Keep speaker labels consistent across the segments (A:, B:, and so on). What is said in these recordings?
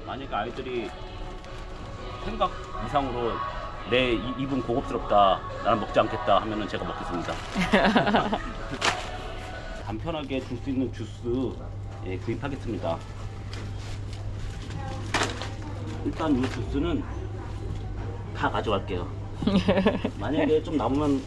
A: 만약에 아이들이 생각 이상으로 내 입은 고급스럽다, 나는 먹지 않겠다 하면은 제가 먹겠습니다. 간편하게 줄 수 있는 주스 예, 구입하겠습니다. 일단 이 주스는 다 가져갈게요. 만약에 좀 남으면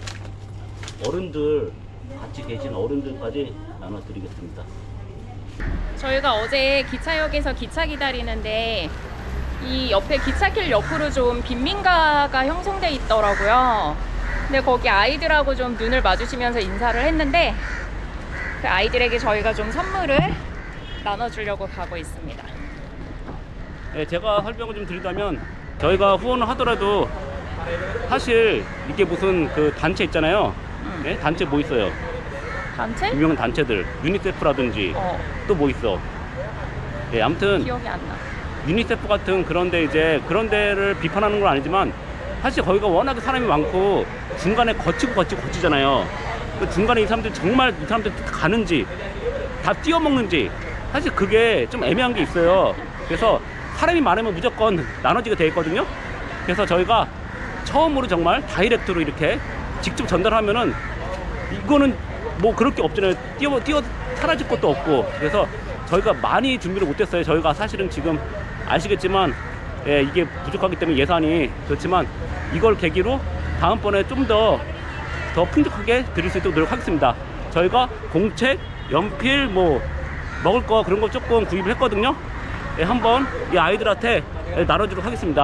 A: 어른들 같이 계신 어른들까지 나눠드리겠습니다.
B: 저희가 어제 기차역에서 기차 기다리는데 이 옆에 기찻길 옆으로 좀 빈민가가 형성돼 있더라고요. 근데 거기 아이들하고 좀 눈을 마주치면서 인사를 했는데 그 아이들에게 저희가 좀 선물을 나눠주려고 가고 있습니다.
A: 네, 제가 설명을 좀 드리자면 저희가 후원을 하더라도 사실 이게 무슨 그 단체 있잖아요. 네? 단체 뭐 있어요?
B: 단체?
A: 유명한 단체들 유니세프라든지 또 뭐 있어? 네, 아무튼
B: 기억이 안 나.
A: 유니세프 같은 그런데 이제 그런 데를 비판하는 건 아니지만 사실 거기가 워낙에 사람이 많고 중간에 거치잖아요. 그 중간에 이 사람들 정말 이 사람들 가는지 다 뛰어먹는지 사실 그게 좀 애매한 게 있어요. 그래서 사람이 많으면 무조건 나눠지게 돼 있거든요. 그래서 저희가 처음으로 정말 다이렉트로 이렇게 직접 전달하면은 이거는 뭐 그럴 게 없잖아요. 뛰어 사라질 것도 없고. 그래서 저희가 많이 준비를 못했어요. 저희가 사실은 지금 아시겠지만 예, 이게 부족하기 때문에 예산이 그렇지만 이걸 계기로 다음번에 좀 더 풍족하게 드릴 수 있도록 노력하겠습니다. 저희가 공책, 연필, 뭐 먹을 거 그런 거 조금 구입을 했거든요. 예, 한번 이 아이들한테 나눠주도록 하겠습니다.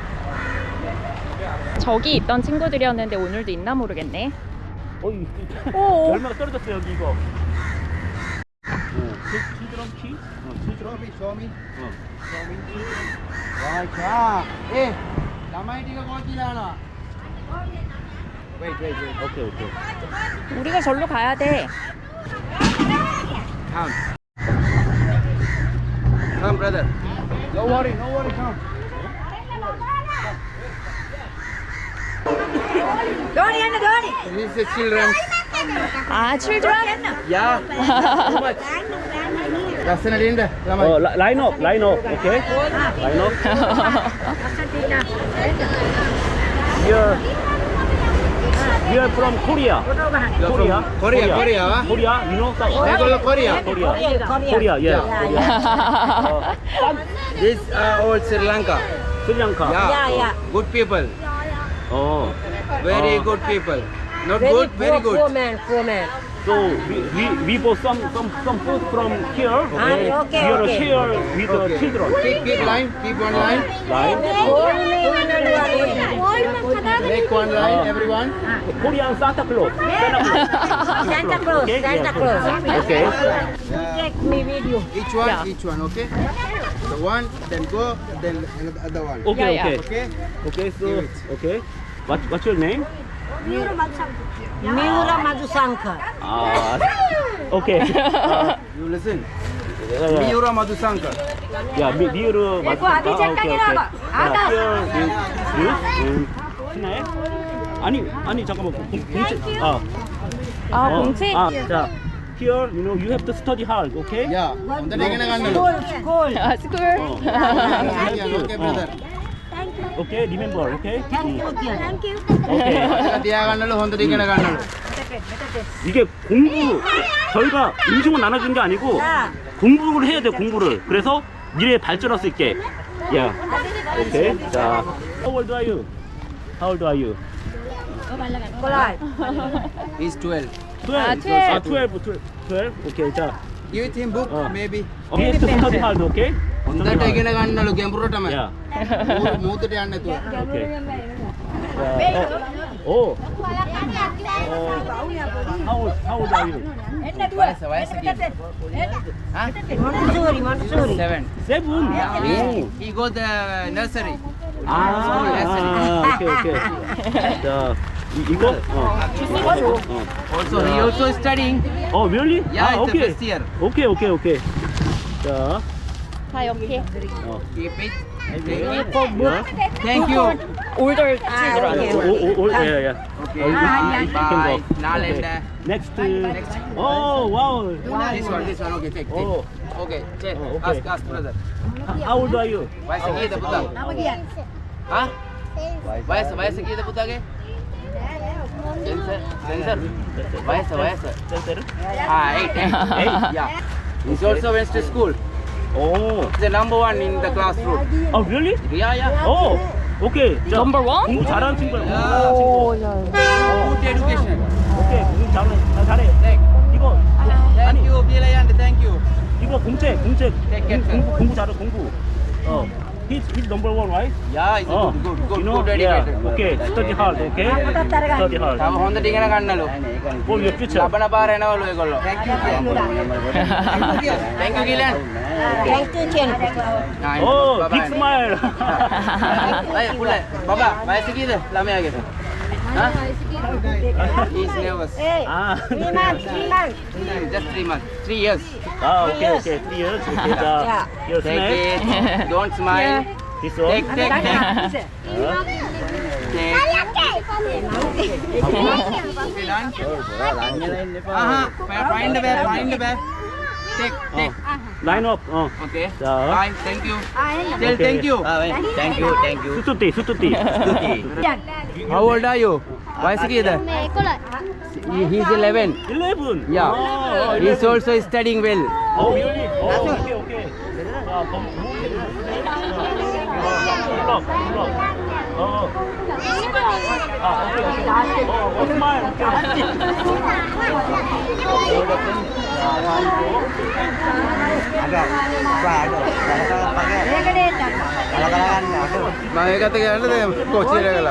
B: 저기 있던 친구들이었는데 오늘도 있나 모르겠네.
A: 오. 얼마나 떨어졌어요 여기 이거. children key? children.
C: Show me. Right. Hey, 남아이 네가 거기잖아. Wait.
A: 오케이.
B: 우리가 절로 가야 돼.
C: Come, brother. No worry. Come. This is the children.
B: 아, children?
C: Yeah. Too much. ලස්සනට ළමයි.
A: line up. Okay. Line up. We are from Korea. Korea. You know
C: මේගොල්ලෝ Korea.
A: Korea. Yeah.
C: This all Sri Lanka.
A: Sri Lanka.
C: Yeah. Good people.
A: Oh.
C: Very good people. Not good, very good.
D: Poor man.
A: So we bought some food from here. Okay.
D: okay,
A: We are
D: okay.
A: share with the
C: Okay.
A: children.
C: Keep line. Keep one line.
A: Line.
C: Make one line, everyone.
A: Korean Santa Claus.
D: Santa Claus.
A: Okay.
D: Santa Claus.
A: Okay.
D: Take me video.
C: Each one, okay? So one, then go, then the other one.
A: Okay.
B: Yeah.
C: Okay?
A: Okay. So
C: Give it.
A: okay. What's your name?
D: Miura Madhusankar.
A: Okay.
C: You listen.
A: Yeah.
C: Miura Madhusankar.
A: Yeah, 미우르 맞. 오케이. 신나요? 아니 잠깐만 공채.
B: 공책?
A: 자, here you have to study hard, okay?
C: Yeah. හොඳට ඉගෙන ගන්න ඕනේ.
D: School.
B: school.
C: Okay, brother.
A: Okay, remember, okay?
D: Thank you.
A: Okay.
C: මතක තියාගන්නලු හොඳට ඉගෙන ගන්නලු.
A: 이게 공부 저희가 음식만 나눠준 게 아니고 공부를 해야 돼 공부를. 그래서 미래에 발전할 수 있게. Yeah. Okay. 자, how old are you? How old are you?
D: Collide.
C: He's 12.
A: 12. 12. Okay. 자,
C: Give it him book, maybe.
A: we have to study hard, okay?
C: හොඳට ඉගෙන ගන්නලු ගැඹුරටම.
A: Yeah.
C: මූදට යන්න නැතුව.
A: Okay. Oh. How old are you?
C: වයස කීයද?
D: Montessori.
C: 7.
A: 7. Oh.
C: He go the nursery.
A: 오케이. 자, 이거?
C: Also, he also studying.
A: really?
C: Yeah, it's the
A: 오케이.
C: first year.
A: 오케이. 자,
B: 다 옆에.
C: Keep it.
A: 야.
C: Thank you.
B: older children.
A: 야.
C: Okay.
A: You can go.
C: Bye. Nalanda.
A: Next. Oh, wow.
C: This one. Okay, take.
A: Oh,
C: Okay. Check.
A: Okay.
C: Ask brother.
A: How old are you?
C: Why is he the Buddha? Huh? Why is he the Buddha? Sensor. Why is?
A: 센세르?
C: Ah, 8. Yeah. He also went to school.
A: 오.
C: He's the number one in the classroom.
A: 아, really?
C: Yeah.
A: 오. 오케이. 자,
B: Number one?
A: 공부 잘하는 친구야.
C: Yeah. Good education.
A: 오케이. 공부 잘해.
C: Thank.
A: 이거
C: Thank you, Bilayan. Thank you.
A: 이거 공부 잘해. 공부. He's number one, right?
C: Yeah, he's
A: 어.
C: good
A: You know? Yeah.
C: educated.
A: Okay. Study hard. Okay. Study hard.
C: තව හොඳ ටික ගන්නලු.
A: For your future.
C: ලබන පාර එනවලු ඒගොල්ලෝ. Thank you, Gilan.
D: Thank you, Chen.
A: Oh, big smile.
C: අය පුළ බබා වයස කීයද ළමයාගේ? හා? He's nervous.
D: Hey,
A: 아.
D: 3 months, 3 months.
C: Just 3 months. 3 years.
A: 아, 오케이. 3 years. 오케이. 자, your
C: Take
A: snack.
C: it. Don't smile.
A: This one.
C: Take. Take. Find the bag. Take.
A: Line up.
C: Okay.
A: 자.
C: Bye. Thank you. Tell
A: Okay.
C: thank you.
E: Thank you.
A: 수투띠.
C: How old are you? වයස කීයද? He's 11.
A: 11.
C: Yeah. He's also studying well.
A: Oh, really? Oh, okay. 자, 블럭. smile.
C: මම ඒකත් කියන්නද කොච්චර කළා?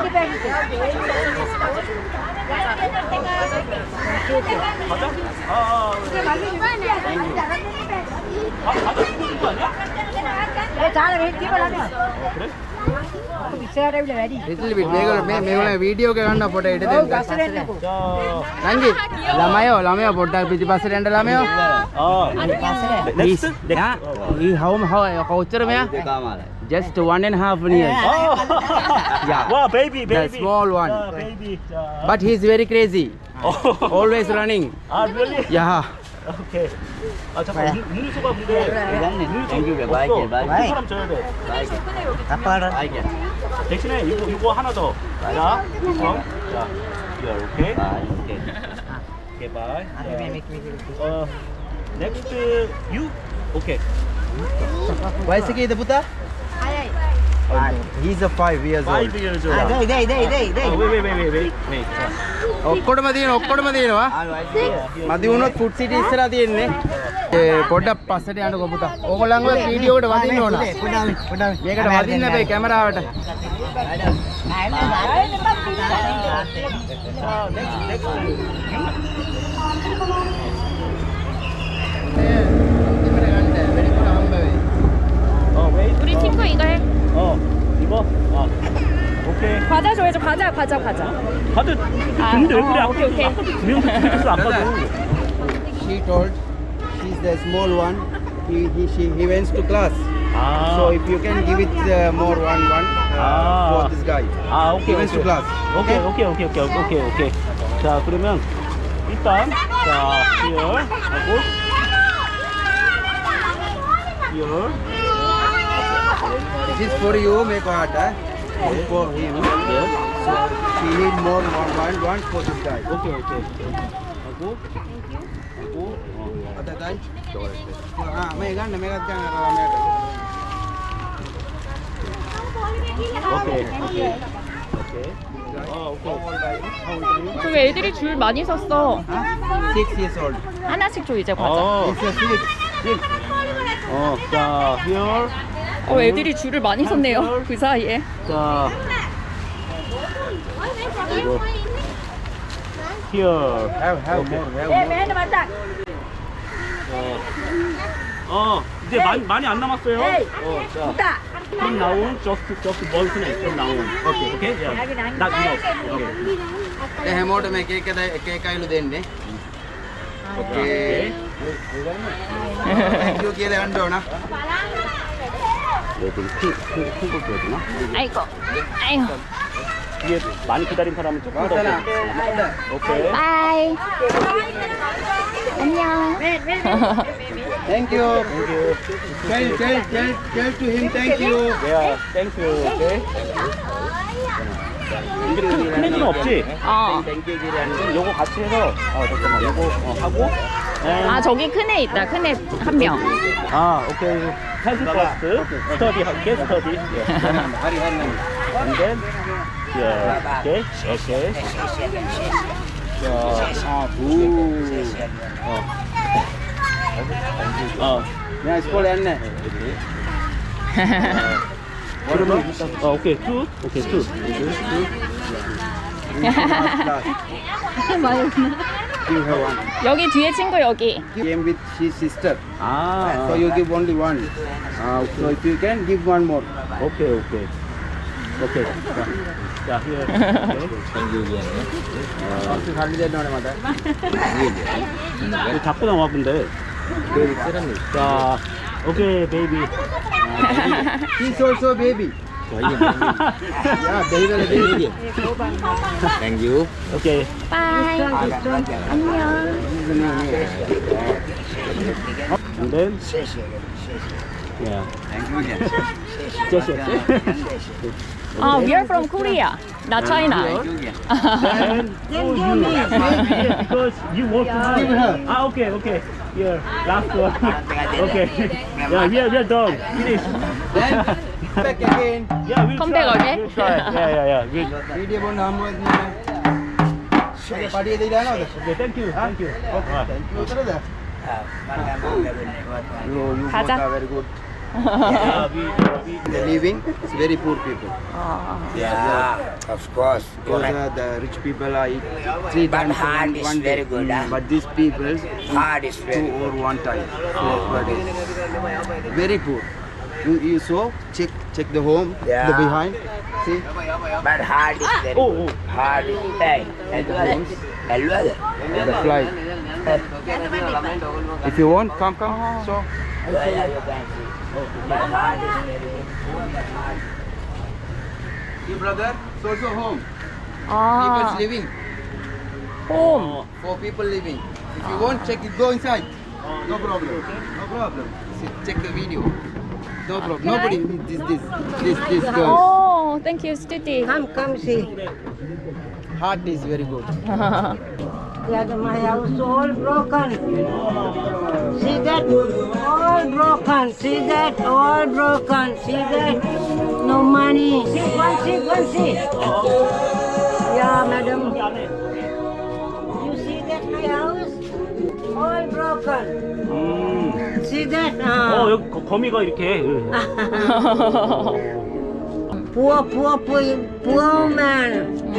C: Little bit. මේගොල්ලෝ වීඩියෝ එක ගන්න පොඩ ඉඩ දෙන්න. නංගි ළමයෝ පොඩ්ඩක් පිටිපස්සට යන්න ළමයෝ.
A: Next.
C: How කොච්චර මෙයා? Just 1.5 years. Yeah.
A: Wow, baby.
C: The small one.
A: Baby.
C: But he's very crazy.
A: Oh.
C: Always running.
A: Really?
C: Yeah.
A: 오케이. 아 잠깐 음료수가 근데
E: Thank you. Bye.
A: 한 사람 줘야 돼. 대신에 이거 하나 더. 자, 자, 오케이. 오케이, 바이. Next you. 오케이.
C: වයස කීයද පුතා? He's a 5 years
A: 5 years old. Wait.
C: ඔක්කොටම තියෙනවා. මදි වුණොත් ෆුඩ් සිටි ඉස්සරහා තියෙන්නේ. ඒ පොඩ්ඩක් පස්සට යන්නකෝ පුතා. ඕගොල්ලන්ව වීඩියෝ එකට වදින්න ඕන. මේකට වදින්න බෑ කැමරාවට.
A: wait.
B: 우리 친구 이거 해.
A: 이거. 오케이.
B: 과자 줘야죠. 과자.
A: 다들 근데 왜 그래?
B: 오케이.
A: 아까도 두명 줬어 아까도.
C: She told she's the small one. He went to class. So if you can give it more one for this guy.
A: 오케이.
C: He went to class.
A: 오케이. 자, 그러면 일단 자, here 하고 here.
C: This is for you, make heart. This is for him.
A: Yes.
C: So she need more one for this guy.
A: 오케이. 하고
C: Other guy. मैं गन मेरा क्या कर रहा
A: 오케이.
B: 저기 애들이 줄 많이 섰어.
C: 6 years old.
B: 하나씩 줘 이제 과자.
C: It's a 6.
A: 자, here.
B: 애들이 줄을 많이 섰네요. 그 사이에.
A: 자, 이거 here.
C: Have more.
A: 이제 많이 안 남았어요. 자, 좀 나온 just one snack 좀 나온. 오케이. Yeah. Not enough. Okay.
C: හැමෝට මේ එක අයලු දෙන්නේ. Okay. Thank you කියලා ගන්න ඕන.
A: 큰거 줘야 되나?
B: 아이고.
A: 뒤에 많이 기다린 사람은 조금 더. 오케이.
B: 바이. 안녕.
C: Thank you. Tell to him thank you.
A: Yeah, thank you. Okay. 크레딧은 없지?
B: 어.
A: 요거 같이 해서 잠깐만 요거 하고
B: 아 저기 큰 애 있다. 큰 애 한 명.
A: 오케이. 사진 퍼스트 스터디 할게 스터디. And then yeah. Okay.
C: Yeah, school and
A: 그러면 오케이 투.
C: give her one.
B: 여기 뒤에 친구 여기.
C: Came with his sister.
A: 아,
C: So you give only one. So if you can give one more.
A: 오케이. 자, here. 이거 자꾸 나와 근데. 자, 오케이 베이비.
C: He's also baby. Yeah, baby.
E: Thank you.
A: 오케이.
B: 빠이. 안녕.
A: And then yeah. Just
B: We are from Korea, not China.
A: And because you work hard. Okay. Here, last one. Okay. Yeah, we are done. Finish.
C: Then back again.
A: Yeah, we'll
B: Come
A: try.
B: back again?
A: We'll try. Yeah.
C: Video bond number. Party dei dano.
A: Okay, thank you.
C: Thank you, brother. You
B: 가자.
C: both are very good.
A: Yeah, we
C: The living is very poor people.
E: Yeah, of course.
C: Because the rich people are eat 3
E: But
C: times
E: hard is
C: one
E: very
C: day.
E: good, huh?
C: But these people
E: Hard is
C: 2
E: very
C: or 1 time per day. Very poor. You saw check the home,
E: Yeah.
C: the behind. See
E: But hard is very
A: Oh,
E: good. Hard is bad.
C: the fly. If you want, come. So
E: But hard is very good.
C: see brother, it's also home.
B: 아,
C: People's living.
B: 홈.
C: 4 people living. If you want, check it. Go inside. No problem. See, check the video. No problem. Nobody. This girl.
B: 오, thank you, Stuti.
D: Come see.
C: Heart is very good.
D: Yeah, my house all broken. See that? All broken. See that? All broken. See that? No money. See. Yeah, madam. You see that my house? All broken. See that?
A: 여기 거미가 이렇게.
D: Poor man.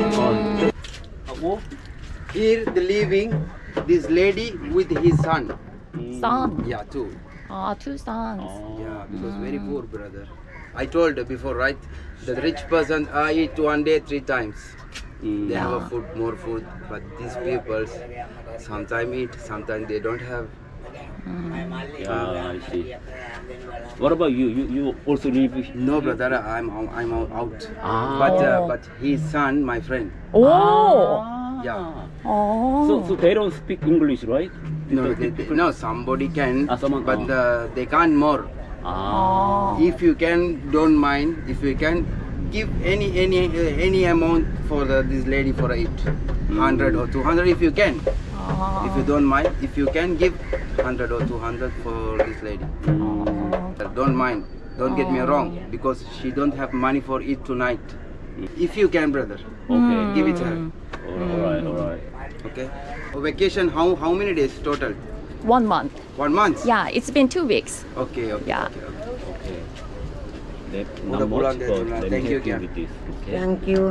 A: 하고
C: Here the living this lady with his son.
B: Son.
C: Yeah, 2.
B: Two sons.
C: Yeah, because very poor brother. I told before, right? The rich person eat 1 day 3 times. They have a food, more food, but these people sometimes eat, sometimes they don't have.
A: Yeah, I see. What about you? You also live?
C: No, brother, I'm out.
A: Ah.
C: But his son, my friend.
B: 오.
C: Yeah.
A: So they don't speak English, right?
C: No, somebody can,
A: someone,
C: but they can't more. If you can, don't mind. If you can, give any amount for this lady for it, 100 or 200 if you can. If you don't mind, if you can give 100 or 200 for this lady. Don't mind. Don't get me wrong, because she don't have money for it tonight. If you can, brother,
A: Okay.
C: give it her.
A: Alright.
C: Okay. Vacation, how many days total?
B: 1 month.
C: 1 month?
B: Yeah, it's been 2 weeks.
C: Okay.
B: Yeah.
A: Okay.
C: Udah pulang deh, pulang. Thank you, Kian.
D: Thank you.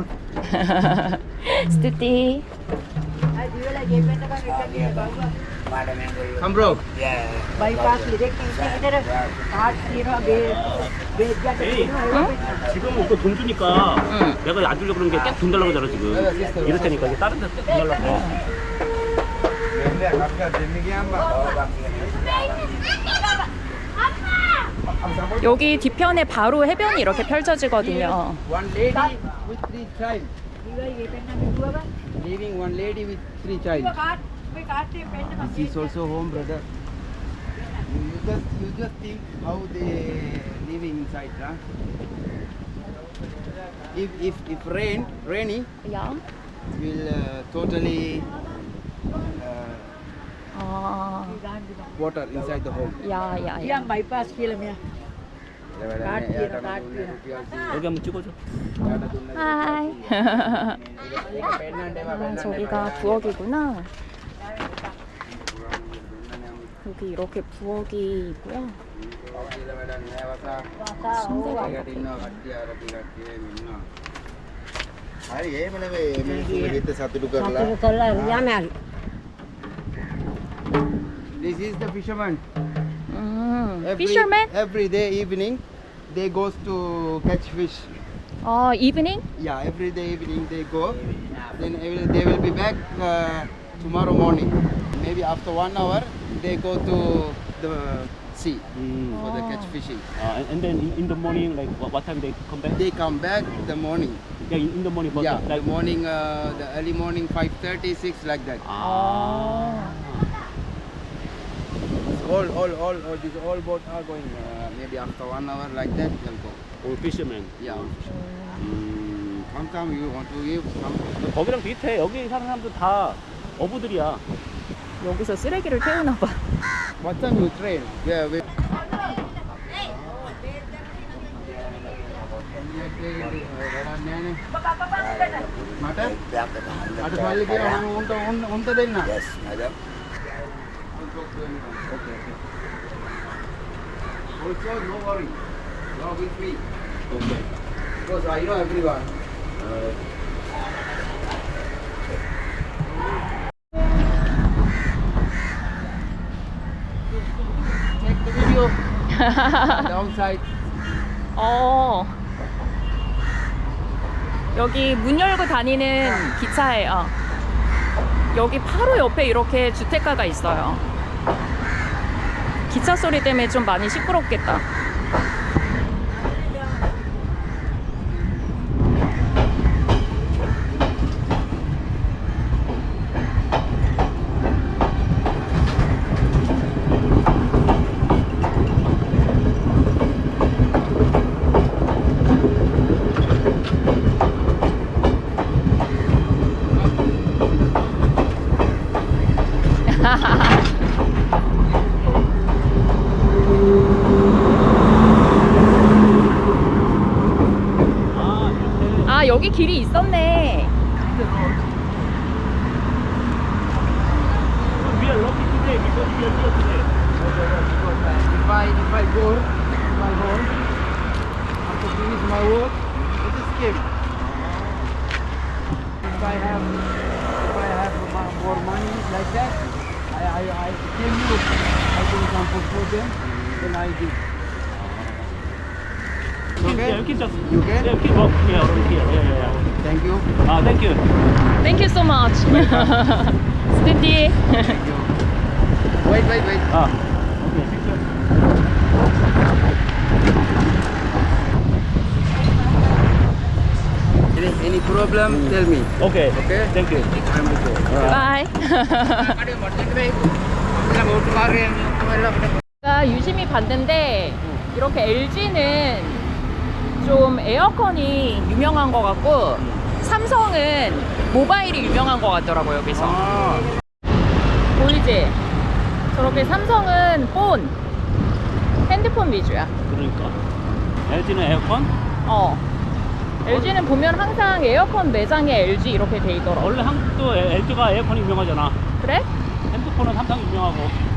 B: Stuti.
C: Come, bro.
E: Yeah.
D: Bypass direct इधर काट तीरा बेच
A: 지금 오빠 돈 주니까 내가 안 주려고 그런 게 계속 돈 달라고 하잖아 지금. 이럴 테니까 이제 다른 데돈 달라고.
B: 여기 뒤편에 바로 해변이 이렇게 펼쳐지거든요.
C: One lady with 3 child. Leaving one lady with 3 child. This is also home, brother. You just think how they living inside, huh? If rainy,
B: 야.
C: will totally
B: 아.
C: water inside the home.
B: 야.
D: Yang bypass filmnya.
A: 여기 한번 찍어줘.
B: 하이. 아, 저기가 부엌이구나. 여기 이렇게 부엌이 있고요. 침대가 이렇게.
C: හරි එහෙම නෙවෙයි මිනිස්සුන්ගේ හිත සතුටු කරලා
D: Satu color yang mana?
C: This is the fisherman.
B: Fisherman?
C: Every day evening they goes to catch fish.
B: Evening?
C: Yeah, every day evening they go. Then they will be back tomorrow morning. Maybe after 1 hour they go to the sea for the catch fishing.
A: And then in the morning, like what time they come back?
C: They come back the morning.
A: Yeah, in the morning. But
C: Yeah,
A: like
C: the morning, the early morning 5:30, 6 like that. All boat are going. Maybe after 1 hour like that they'll go.
A: all fishermen.
C: Yeah. Come, you want to give? Come.
A: 거기랑 비슷해. 여기 사는 사람들 다 어부들이야.
B: 여기서 쓰레기를 태우나 봐.
C: What time you train? Yeah, we. මට සල්ලි කියලා මම උන්ට දෙන්න.
E: Yes, madam.
C: Okay. Also, no worry. You are with me. Okay. Because I know everyone. Take the video. Downside.
B: 여기 문 열고 다니는 기차예요. 여기 바로 옆에 이렇게 주택가가 있어요. 기차 소리 때문에 좀 많이 시끄럽겠다. 아, 여기 길이 있었네.
A: We are lucky today because we are here today.
C: If I go to my home, after finish my work, it is escape. If I have more money like that, I tell you, I can come for them, then I give. Okay?
A: Yeah, you can just
C: You can?
A: Yeah, you can walk here around here. Yeah.
C: Thank you.
A: Thank you.
B: Thank you so much. 스탠디.
C: Thank you. Wait.
A: Okay.
C: Any problem, tell me.
A: Okay.
C: Okay?
A: Thank you.
C: I'm with you.
B: 바이. 제가 유심히 봤는데 이렇게 LG는 좀 에어컨이 유명한 것 같고 삼성은 모바일이 유명한 것 같더라고요. 여기서 보이지? 저렇게 삼성은 폰, 핸드폰 위주야.
A: 그러니까. LG는 에어컨?
B: LG는 보면 항상 에어컨 매장에 LG 이렇게 돼 있더라고.
A: 원래 한국도 LG가 에어컨이 유명하잖아.
B: 그래?
A: 핸드폰은 삼성이 유명하고.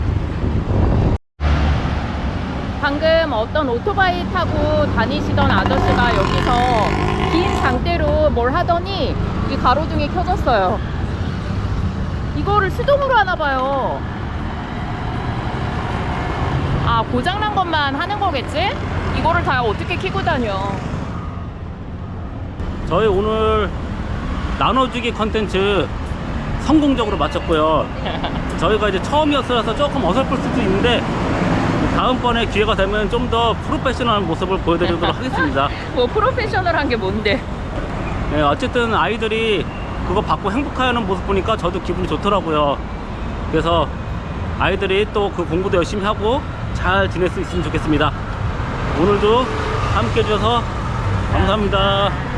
B: 방금 어떤 오토바이 타고 다니시던 아저씨가 여기서 긴 장대로 뭘 하더니 이 가로등이 켜졌어요. 이거를 수동으로 하나 봐요. 아, 고장난 것만 하는 거겠지? 이거를 다 어떻게 켜고 다녀.
A: 저희 오늘 나눠주기 컨텐츠 성공적으로 마쳤고요. 저희가 이제 처음이었어서 조금 어설플 수도 있는데 다음번에 기회가 되면 좀 더 프로페셔널한 모습을 보여드리도록 하겠습니다.
B: 뭐 프로페셔널한 게 뭔데?
A: 네, 어쨌든 아이들이 그거 받고 행복해하는 모습 보니까 저도 기분이 좋더라고요. 그래서 아이들이 또 그 공부도 열심히 하고 잘 지낼 수 있으면 좋겠습니다. 오늘도 함께 해주셔서 감사합니다.